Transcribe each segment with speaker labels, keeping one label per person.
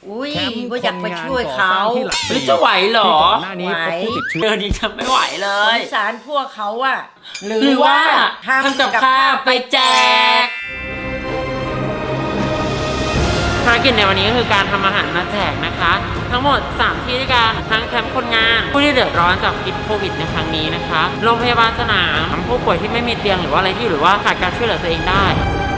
Speaker 1: อุ้ยว่าอยากไปช่วยเขา
Speaker 2: หรือจะไหวเหรอ
Speaker 1: หน้านี้พบผู้ติดเชื้อ
Speaker 2: เดินดีทำไม่ไหวเล
Speaker 1: ส
Speaker 2: ย
Speaker 1: งสารพวกเขาอะหรือ
Speaker 2: หรือว่า
Speaker 1: ว่า
Speaker 2: ทำกับข้าวไปแจกภารกิจในวันนี้ก็คือการทำอาหารมาแจกนะคะ ทั้งหมด 3 ที่ด้วยกันทั้งแคมป์คนงานผู้ที่เดือดร้อนจากพิษโควิดในครั้งนี้นะคะโรงพยาบาลสนามผู้ป่วยที่ไม่มีเตียงหรือว่าอะไรที่หรือว่าขาดการช่วยเหลือตัวเองได้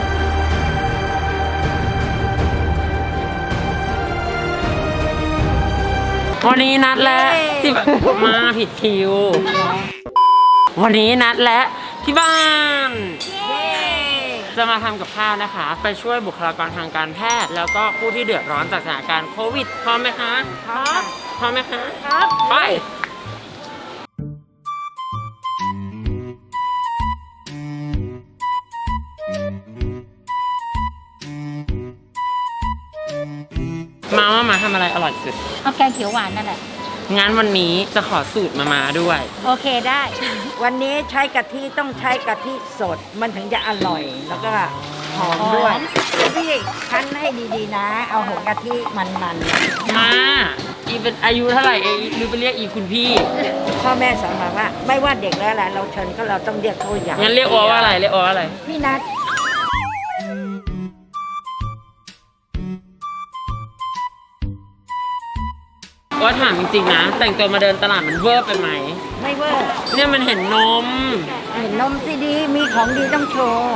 Speaker 2: วันนี้นัดแล้วที่มาผิดคิววันนี้นัดและที่บ้านจะมาทำกับข้าวนะคะ ไปช่วยบุคลากรทางการแพทย์แล้วก็ผู้ที่เดือดร้อนจากสถานการณ์โควิดพร้อมไหมคะครับพร้อมไหมคะครับไปมาทำอะไรอร่อยสุด
Speaker 3: เอาแกงเขียวหวานนั่นแหละ
Speaker 2: งั้นวันนี้จะขอสูตรมาด้วย
Speaker 3: โอเคได้
Speaker 1: วันนี้ใช้กะทิต้องใช้กะทิสดมันถึงจะอร่อยแล้วก็หอมด้วยพี่คั้นให้ดีๆนะ เอาหัวกะทิมัน
Speaker 2: มาอีเป็นอายุเท่าไหร่เองหรือไปเรียกอีคุณพี่
Speaker 1: พ่อแม่สอนมาว่าไม่ว่าเด็กแล้วแหละเราเชิญก็เราต้องเรียกเขาอย่าง
Speaker 2: งั้นเรียกว่าอะไรเรียกว่าอะไร
Speaker 1: พี่นัท
Speaker 2: ว่าถามจริงๆนะแต่งตัวมาเดินตลาดมันเวอร์ไปไหม
Speaker 1: ไม่เวอร์
Speaker 2: เนี่ยมันเห็นนม
Speaker 1: สิดีมีของดีต้องโชว์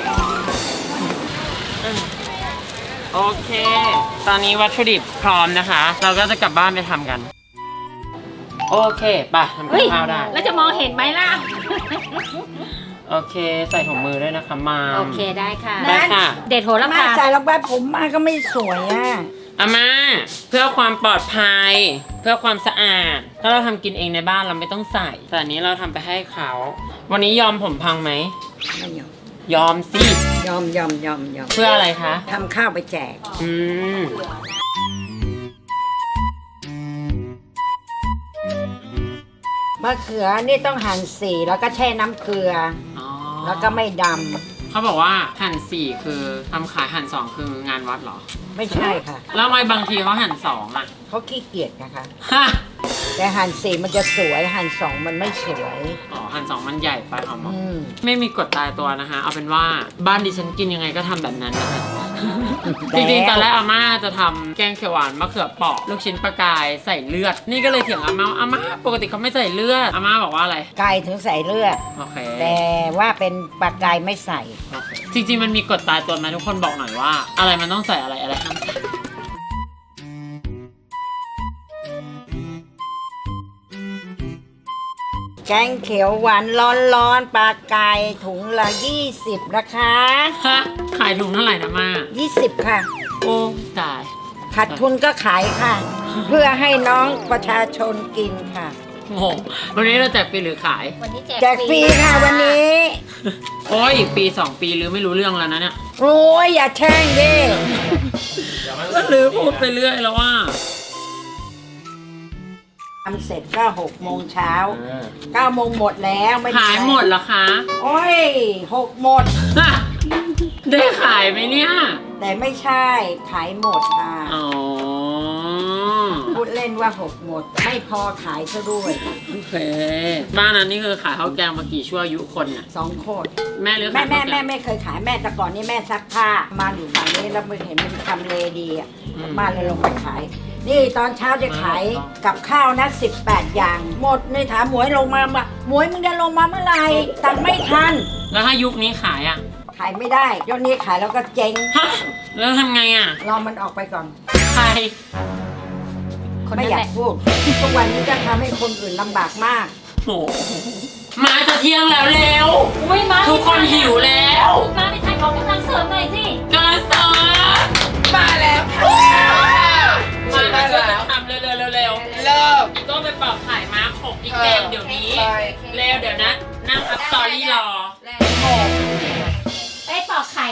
Speaker 2: โอเคตอนนี้วัตถุดิบพร้อมนะคะเราก็จะกลับบ้านไปทำกันโอเคไปทำกับข้าวได้
Speaker 3: แล้วจะมองเห็นไหมล่ะ
Speaker 2: โอเคใส่ถุงมือด้วยนะคะมา
Speaker 3: โอเคได้ค่ะ
Speaker 2: ได้ค่ะ
Speaker 3: เด็ดโหระพา
Speaker 1: ใส่ลงไปผมมาก็ไม่สวยอ่ะ
Speaker 2: อาม่าเพื่อความปลอดภัยเพื่อความสะอาดถ้าเราทำกินเองในบ้านเราไม่ต้องใส่แต่อันนี้เราทำไปให้เขาวันนี้ยอมผมพังไหม
Speaker 1: ไม่ยอม
Speaker 2: ยอมสิ
Speaker 1: ยอม
Speaker 2: เพื่ออะไรคะ
Speaker 1: ทำข้าวไปแจกมะเขือนี่ต้องหั่น4แล้วก็แช่น้ำเกลือแล้วก็ไม่ดำ
Speaker 2: เขาบอกว่าหั่น4คือทำขายหั่น2คืองานวัดเหรอ
Speaker 1: ไม่ใช่ค่ะ
Speaker 2: แล้วทำไมบางทีเขาหั่น2อ่ะ
Speaker 1: เขาขี้เกียจนะคะแต่หั่น4มันจะสวยหั่น2มันไม่สวย
Speaker 2: อ๋อหั่น2มันใหญ่ไปหรอไม่มีกฎตายตัวนะคะเอาเป็นว่าบ้านดิฉันกินยังไงก็ทำแบบนั้นนะคะจริงๆตอนแรกอาม่าจะทำแกงเขียวหวานมะเขือเปราะลูกชิ้นปลากายใส่เลือดนี่ก็เลยเถียงอาม่าปกติเขาไม่ใส่เลือดอาม่าบอกว่าอะไร
Speaker 1: ไก่ถึงใส่เลือด
Speaker 2: โอเค
Speaker 1: แต่ว่าเป็นปลากายไม่ใส่
Speaker 2: จริงๆมันมีกฎตายตัวไหมทุกคนบอกหน่อยว่าอะไรมันต้องใส่อะไรห้ามใส่
Speaker 1: แกงเขียวหวานร้อนๆปลากายถุงละ20นะคะ
Speaker 2: ขายถุงเท่าไหร่นะมา
Speaker 1: 20ค่ะ
Speaker 2: โอ้ตาย
Speaker 1: ขาดทุนก็ขายค่ะ เพื่อให้น้องประชาชนกินค่ะ
Speaker 2: งงวันนี้เราแจกฟรีหรือขาย
Speaker 3: วันนี้
Speaker 1: แจกฟรีค่ะวันนี้
Speaker 2: โอ้ยอีกปี2ปีหรือไม่รู้เรื่องแล้วนะเนี่ย
Speaker 1: โอ้ยอย่าแช่งดิ
Speaker 2: ก็หรือพูดไปเรื่อยแล้วว่า
Speaker 1: ทำเสร็จก็6 โมงเช้า9 โมงหมดแล้วไม่
Speaker 2: ขายหมดเหรอคะ
Speaker 1: โอ้ย6 หมด
Speaker 2: ได้ขายไหมเนี่ย
Speaker 1: แต่ไม่ใช่ขายหมดค่ะ
Speaker 2: อ๋อ
Speaker 1: พูดเล่นว่า6 หมดไม่พอขายซะด้วย
Speaker 2: โอเคบ้านนั้นนี่คือขายข้าวแกงมากี่ชั่วอายุคนเนี่ย
Speaker 1: 2 คน
Speaker 2: แม่หรือ
Speaker 1: แม่ไม่เคยขายแม่แต่ก่อนนี่แม่ซักผ้ามาอยู่ฝั่งนี้แล้วมันเห็นมันทำเลดีอ่ะมาเลยลงไปขายนี่ตอนเช้าจะขายกับข้าวนะ18 อย่างหมดนี่ถามหมวยลงมาหมวยมึงจะลงมาเมื่อไหร่ตังไม่ทัน
Speaker 2: แล้วถ้ายุคนี้ขายอ่ะ
Speaker 1: ขายไม่ได้ยอดนี้ขายแล้วก็เจ๊ง
Speaker 2: แล้วทำไงอ่ะ
Speaker 1: รอมันออกไปก่อน
Speaker 2: ใคร
Speaker 1: ไม่อยากพูดทุกวันนี้จะทำให้คนอื่นลำบากมาก
Speaker 2: โอ้มาจะเที่ยงแล้วเร็วทุกคนหิวแล้ว
Speaker 3: มาไปทานของกำลังเสริมหน่อยสิ
Speaker 2: กำลังเสริม
Speaker 1: มาแล้ว
Speaker 2: มาช่วยกันทำเร็วเริ่มอีกก็ไปปอกไข่มาขบอีกแกมเดี๋ยวนี้เร็วเดี๋ยวนะนั่งอัพสตอรี่รอ
Speaker 3: ไปปอกไข่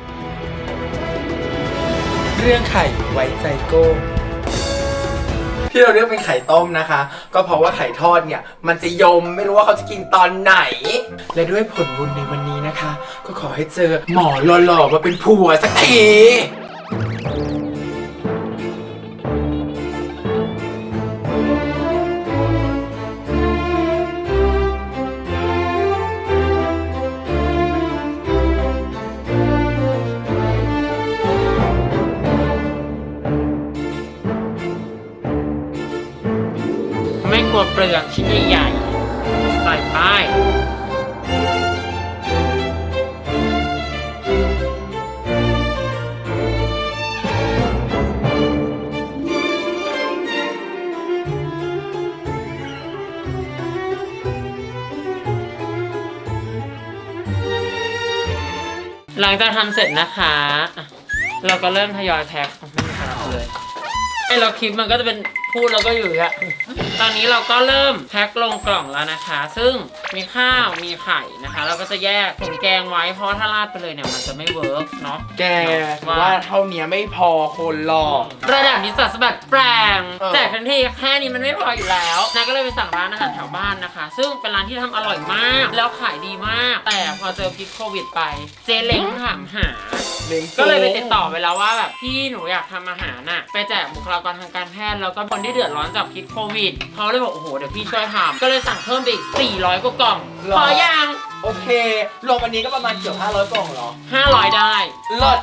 Speaker 4: เรื่องไข่ไว้ใจโก้ที่เราเลือกเป็นไข่ต้มนะคะก็เพราะว่าไข่ทอดเนี่ยมันจะยมไม่รู้ว่าเขาจะกินตอนไหนและด้วยผลบุญในวันนี้นะคะก็ขอให้เจอหมอหล่อๆมาเป็นผัวสักที
Speaker 2: เปลือกชิ้นใหญ่ๆใส่ไปหลังจากทำเสร็จนะคะเราก็เริ่มทยอยแพ็คไม่มีใครรับเลยไอ้เราคลิปมันก็จะเป็นพูดแล้วก็อยู่อย่างตอนนี้เราก็เริ่มแพ็คลงกล่องแล้วนะคะซึ่งมีข้าวมีไข่นะคะเราก็จะแยกถุงแกงไว้เพราะถ้าราดไปเลยเนี่ยมันจะไม่เวิร์กเนาะ
Speaker 4: แกว่าเท่านี้ไม่พอคนหรอก
Speaker 2: ระดับนิสสัสบัดแปลงแต่ทันทีแค่นี้มันไม่พออยู่แล้วนายก็เลยไปสั่งร้านอาหารแถวบ้านนะคะซึ่งเป็นร้านที่ทำอร่อยมากแล้วขายดีมากแต่พอเจอพิษโควิดไปเจ๊เล้งถามหาก็เลยไปติดต่อไปแล้วว่าแบบพี่หนูอยากทำอาหารน่ะไปแจกบุคลากรทางการแพทย์แล้วก็คนที่เดือดร้อนจากพิษโควิดเขาเลยบอกโอ้โหเดี๋ยวพี่ช่วยทำก็เลยสั่งเพิ่มไปอีก400กว่ากล่องพอยัง
Speaker 4: โอเครวมอันนี้ก็ประมาณเกือบ500กล่องเหรอ
Speaker 2: 500ได้
Speaker 4: เลิศ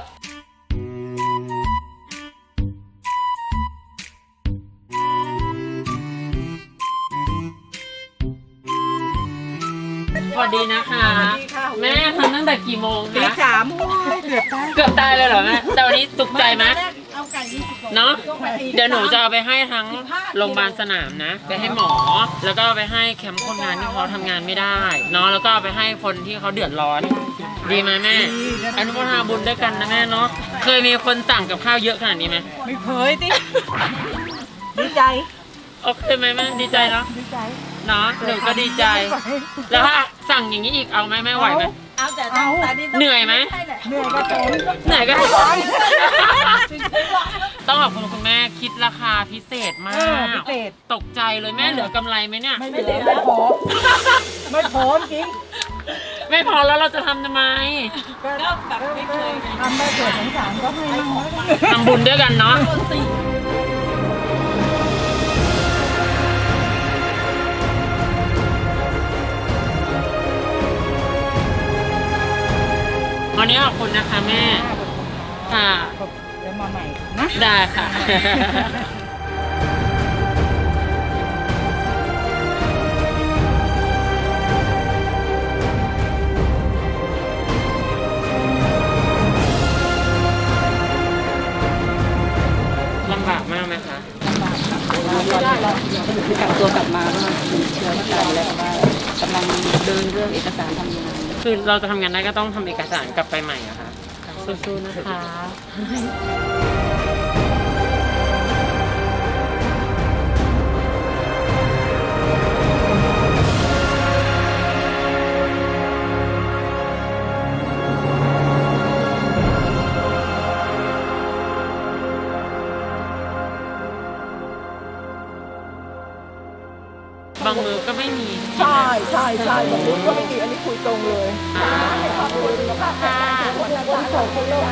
Speaker 2: สวัสดีนะคะแม่ทำตั้งแต่กี่โมงคะ
Speaker 1: 3
Speaker 2: เกือบตายเลยเหรอแม่แต่วันนี้สุขใจไหมเนาะเดี๋ยวหนูจะเอาไปให้ทั้งโรงพยาบาลสนามนะไปให้หมอแล้วก็เอาไปให้แคมป์คนงานที่เขาทำงานไม่ได้เนาะแล้วก็เอาไปให้คนที่เขาเดือดร้อนดีไหมแม่อนุโมทนาบุญด้วยกันนะแม่เนาะเคยมีคนสั่งกับข้าวเยอะขนาดนี้ไหม
Speaker 1: ไม่เคยดิดีใจ
Speaker 2: โอเคไหมแม่ดีใจเนาะ
Speaker 1: ดีใจ
Speaker 2: เนาะหนูก็ดีใจแล้วถ้าสั่งอย่างนี้อีกเอาไหมแม่ไหวไหม
Speaker 1: เอาแต่
Speaker 2: เหนื่อยไหม
Speaker 1: เหนื่อยก็ทน
Speaker 2: เหนื่อยก็ทนต้องขอบคุณคุณแม่คิดราคาพิเศษมากตกใจเลยแม่เหลือกำไรไหมเนี่ย
Speaker 1: ไม่เหลือไม่พอไม่พอจริง
Speaker 2: ไม่พอแล้วเราจะทำไม
Speaker 1: ก็แบบไม่เคยทำได้เกิดสงสารก็ให้มั่ง
Speaker 2: ทำบุญด้วยกันเนาะวันนี้ขอบคุณนะคะแม่ค่ะ
Speaker 1: เดี๋ยวมาใหม่นะ
Speaker 2: ได้ค่ะลำบากมากไหมคะ
Speaker 1: ลำบากค่ะเรากักตัวกลับมาก็มีเชื้อกันแล้วว่ากำลังเดินเรื่องเอกสารทำงาน
Speaker 2: คือเราจะทำงานได้ก็ต้องทำเอกสารกลับไปใหม่อะค่ะสู้ๆนะคะบางมือก็ไม่มี
Speaker 1: ใช่บางมือก็ไม่มีอันนี้คุยตรงเลยขอบคุณสุขภาพค่ะคนโสดคนโลก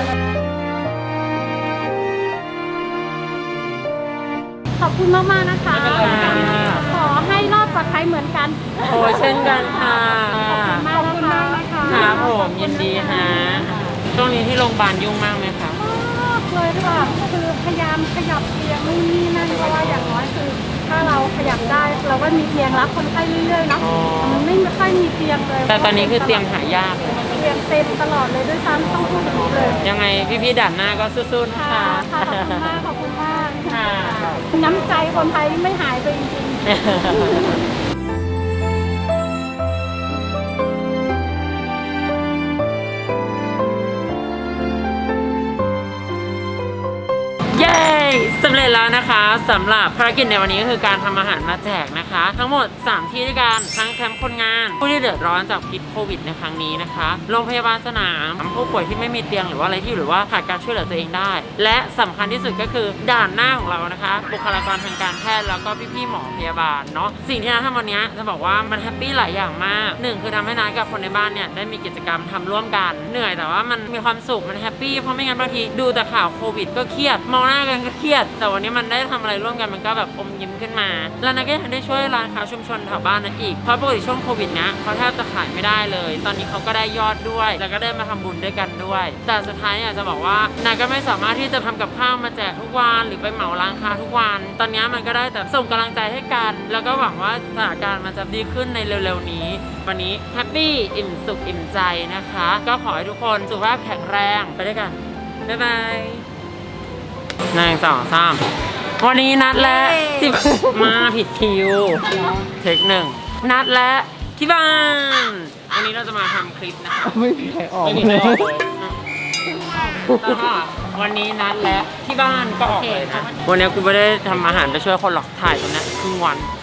Speaker 3: ขอบคุณมากๆนะคะขอให้รอดปลอดภัยเหมือนกัน
Speaker 2: โอ้เช่นกันค่ะ
Speaker 3: ขอบคุณมากนะคะ
Speaker 2: ครับผมยินดีฮะช่วงนี้ที่โรงพยาบาลยุ่งมากไหมคะ
Speaker 3: มากเลยค่ะคือพยายามขยับเตียงนู่นนี่นั่นเพราะว่าอย่างน้อยคือถ้าเราขยับได้เราก็มีเตียงรับคนไข้เรื่อยๆเนาะมันไม่ค่อยมีเตียงเลย
Speaker 2: แต่ตอนนี้คือเตียงหายากเลย
Speaker 3: เตียงเต็มตลอดเลยด้วยซ้ำต้องพูดแบบนี้เลย
Speaker 2: ยังไงพี่ๆด่านหน้าก็สู้ๆนะคะ
Speaker 3: ขอบคุณมากค่ะน้ำใจคนไทยไม่หายไปจริงๆ
Speaker 2: สำเร็จแล้วนะคะสำหรับภารกิจในวันนี้ก็คือการทำอาหารมาแจกนะคะทั้งหมด3ที่ด้วยกันทั้งแคมป์คนงานผู้ที่เดือดร้อนจากพิษโควิดในครั้งนี้นะคะโรงพยาบาลสนามผู้ป่วยที่ไม่มีเตียงหรือว่าอะไรที่หรือว่าขาดการช่วยเหลือตัวเองได้และสำคัญที่สุดก็คือด่านหน้าของเรานะคะบุคลากรทางการแพทย์แล้วก็พี่ๆหมอพยาบาลเนาะสิ่งที่เราทำวันนี้จะบอกว่ามันแฮปปี้หลายอย่างมาก1คือทำให้นายกับคนในบ้านเนี่ยได้มีกิจกรรมทำร่วมกันเหนื่อยแต่ว่ามันมีความสุขมันแฮปปี้เพราะไม่งั้นบางทีดูแต่ข่าวโควิดก็เครียดมองหน้ากันก็เครียดแต่วันวันนี้มันได้ทำอะไรร่วมกันมันก็แบบอมยิ้มขึ้นมาแล้วนัทก็ยังได้ช่วยร้านค้าชุมชนแถวบ้านนั้นอีกเพราะปกติช่วงโควิดเนี้ยเขาแทบจะขายไม่ได้เลยตอนนี้เขาก็ได้ยอดด้วยแล้วก็ได้มาทำบุญด้วยกันด้วยแต่สุดท้ายอยากจะบอกว่านัทก็ไม่สามารถที่จะทำกับข้าวมาแจกทุกวันหรือไปเหมาร้านค้าทุกวันตอนนี้มันก็ได้แต่ส่งกำลังใจให้กันแล้วก็หวังว่าสถานการณ์มันจะดีขึ้นในเร็วๆนี้วันนี้แฮปปี้อิ่มสุขอิ่มใจนะคะก็ขอให้ทุกคนสุขภาพแข็งแรงไปด้วยกันบ๊ายบาย1 2 3วันนี้นัดและที่มาผิดคิวเทคหนึ่งนัดและที่บ้านวันนี้เราจะมาทำคลิปนะคะไม่มีใครออกเลยแล้วก็วันนี้นัดและที่บ้านก็ออกเลยนะวันนี้กูไม่ได้ทำอาหารไปช่วยคนหรอกถ่ายตรงนี้ครึ่งวัน